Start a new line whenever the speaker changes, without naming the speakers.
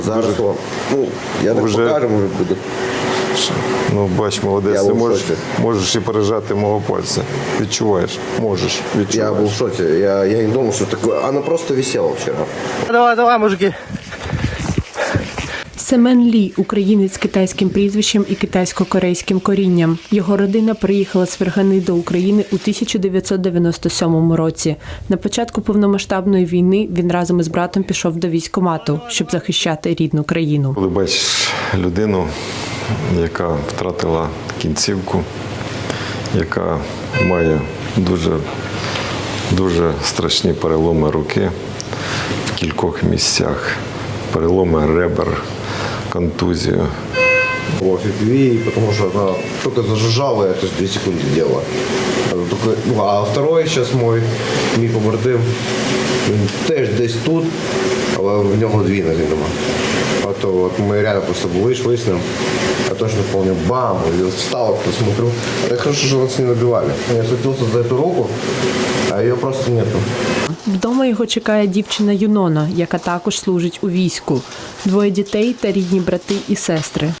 Зараз, я так покажу, може буде.
Ну, бач, молодець,
Я
ти
був в шоці.
можеш і пережати мого пальця. Відчуваєш? Можеш, відчуваєш.
Я был в шоке. Я не думал, что такое. Она просто висела вчера.
Давай, мужики.
Семен Лі – українець з китайським прізвищем і китайсько-корейським корінням. Його родина приїхала з Фергани до України у 1997 році. На початку повномасштабної війни він разом із братом пішов до військкомату, щоб захищати рідну країну.
Коли бачиш людину, яка втратила кінцівку, яка має дуже страшні переломи руки в кількох місцях, переломи ребер, контузію.
В FPV, потому что она только зажужжала, это же 2 секунды делала. А второй сейчас мой, мій побратим, він теж десь тут, але в нього 2 ноги нема. А то от ми реально просто були, йшли з ним, я точно помню, бам, я встал, посмотрю. Так хорошо, что нас не набивали. Я схватился за эту руку, а ее просто нету.
Вдома його чекає дівчина Юнона, яка також служить у війську. 2 дітей та рідні брати і сестри.